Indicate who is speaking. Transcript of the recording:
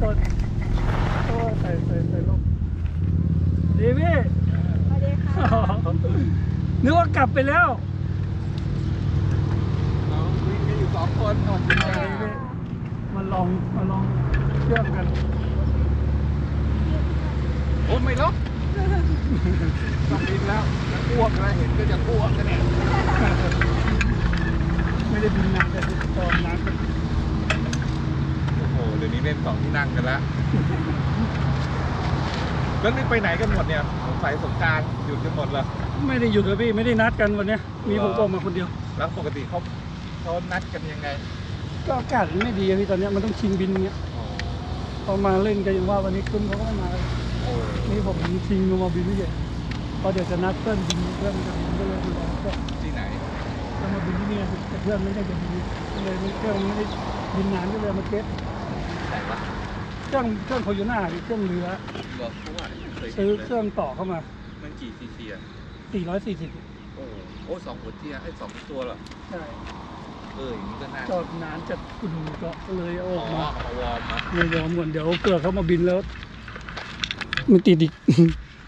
Speaker 1: คนโอ้ใส่ลงดีพี่
Speaker 2: สวัสดีค่ะ
Speaker 1: นึกว่ากลับไปแล้ว
Speaker 3: เราวิ่งกันอยู่2 คนก่อน
Speaker 1: ดีพี่มาลองเชื่อมกัน
Speaker 3: โอ้ไม่ล็อกต้องบินแล้วจะอ้วกแล้วเห็นก็จะอ้วกกันเนี่ย
Speaker 1: ไม่ได้บินนานแต่ตอนนั้น
Speaker 3: โอ้โหเดี๋ยวนี้เล่น2 ที่นั่งกันแล้วแล้วนี่ไปไหนกันหมดเนี่ยสงสัยสงกรานต์หยุดกันหมดเหรอ
Speaker 1: ไม่ได้หยุดเลยพี่ไม่ได้นัดกันวันเนี้ยมีผมออกมาคนเดียว
Speaker 3: แล้วปกติเขานัดกันยังไง
Speaker 1: ก็อากาศมันไม่ดีอะพี่ตอนเนี้ยมันต้องชิงบินเงี้ย
Speaker 3: อ๋อ
Speaker 1: พอมาเล่นกันอย่างว่าวันนี้ขึ้นเขาก็ไม่มาเลย
Speaker 3: โอ้
Speaker 1: นี่ผมชิงลงมาบินไม่เยอะพอเดี๋ยวจะนัดเพื่อนบินเพื่อนจะบินก็เลยรอก็
Speaker 3: ที่ไหน
Speaker 1: จะมาบินที่นี่แต่เพื่อนไม่ได้จะบินก็เลยเครื่องไม่ได้บินนานก็เลยมาเก็ต
Speaker 3: ไหนวะ
Speaker 1: เครื่องโคโยน่าเครื่องเรือ
Speaker 3: เหรอเพราะว่าเคยเห็น
Speaker 1: ซื้อ
Speaker 3: เลย
Speaker 1: เครื่องต่อเข้ามา
Speaker 3: มันกี่ซีซีอ่ะ
Speaker 1: 440
Speaker 3: โอ้โห2 หัวเทียร์ให้2 ตัวเหรอ
Speaker 1: ใช่
Speaker 3: อย่างนี้ก็น่า
Speaker 1: จอดนานจัดคุณก็เลยเอาออกมา
Speaker 3: เอาวอร์มนะ
Speaker 1: ไม่ยอมก่อนเดี๋ยวเกิดเขามาบินแล้วมันติดอีก